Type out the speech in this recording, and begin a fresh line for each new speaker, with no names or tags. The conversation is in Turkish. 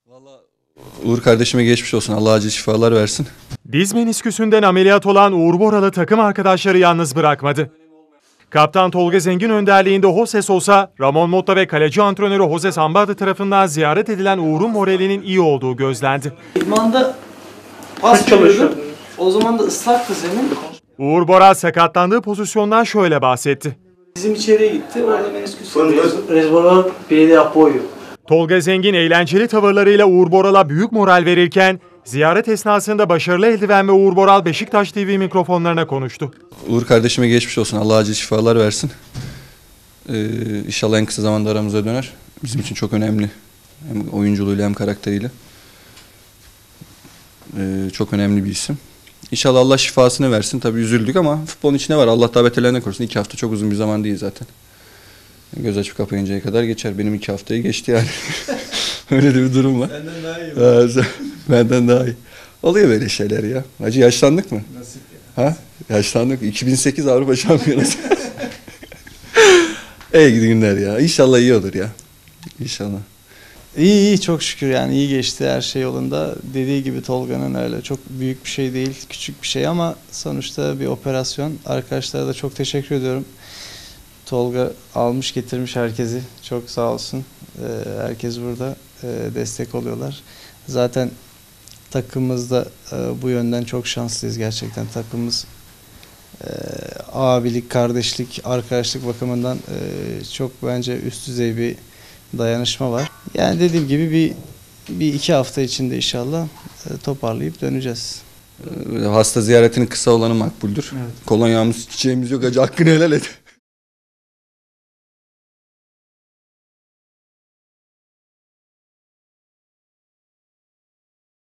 Vallahi Uğur kardeşime geçmiş olsun. Allah acil şifalar versin.
Diz menisküsünden ameliyat olan Uğur Boralı takım arkadaşları yalnız bırakmadı. Kaptan Tolga Zengin önderliğinde Jose Sosa, Ramon Motta ve kaleci antrenörü Jose Sambade tarafından ziyaret edilen Uğur'un moralinin iyi olduğu gözlendi.
İdmanda pas veriyordum. O zaman da ıslaktı zemin.
Uğur Boral sakatlandığı pozisyondan şöyle bahsetti.
Bizim içeriye gitti. Orada menisküs rezervuar pede apoyo.
Tolga Zengin eğlenceli tavırlarıyla Uğur Boral'a büyük moral verirken, ziyaret esnasında başarılı eldiven ve Uğur Boral Beşiktaş TV mikrofonlarına konuştu.
Uğur kardeşime geçmiş olsun. Allah acil şifalar versin. İnşallah en kısa zamanda aramıza döner. Bizim için çok önemli. Hem oyunculuğuyla hem karakteriyle. Çok önemli bir isim. İnşallah Allah şifasını versin. Tabii üzüldük ama futbolun içine var. Allah daha beterlerine korusun. 2 hafta çok uzun bir zaman değil zaten. Göz açıp kapayıncaya kadar geçer. Benim 2 haftayı geçti yani. Öyle de bir durum var.
Benden daha iyi.
Benden daha iyi. Oluyor böyle şeyler ya. Hacı yaşlandık mı?
Nasip ya.
Ha? Yaşlandık. 2008 Avrupa Şampiyonası. İyi günler ya. İnşallah iyi olur ya. İnşallah.
İyi çok şükür yani iyi geçti her şey yolunda. Dediği gibi Tolga'nın öyle çok büyük bir şey değil, küçük bir şey ama sonuçta bir operasyon. Arkadaşlara da çok teşekkür ediyorum. Tolga almış getirmiş herkesi. Çok sağ olsun. Herkes burada destek oluyorlar. Zaten takımımızda bu yönden çok şanslıyız gerçekten. Takımımız abilik, kardeşlik, arkadaşlık bakımından çok bence üst düzey bir dayanışma var. Yani dediğim gibi bir 2 hafta içinde inşallah toparlayıp döneceğiz.
Hasta ziyaretinin kısa olanı makbuldür.
Evet.
Kolonyamız, çiçeğimiz yok. Hacı hakkını helal et.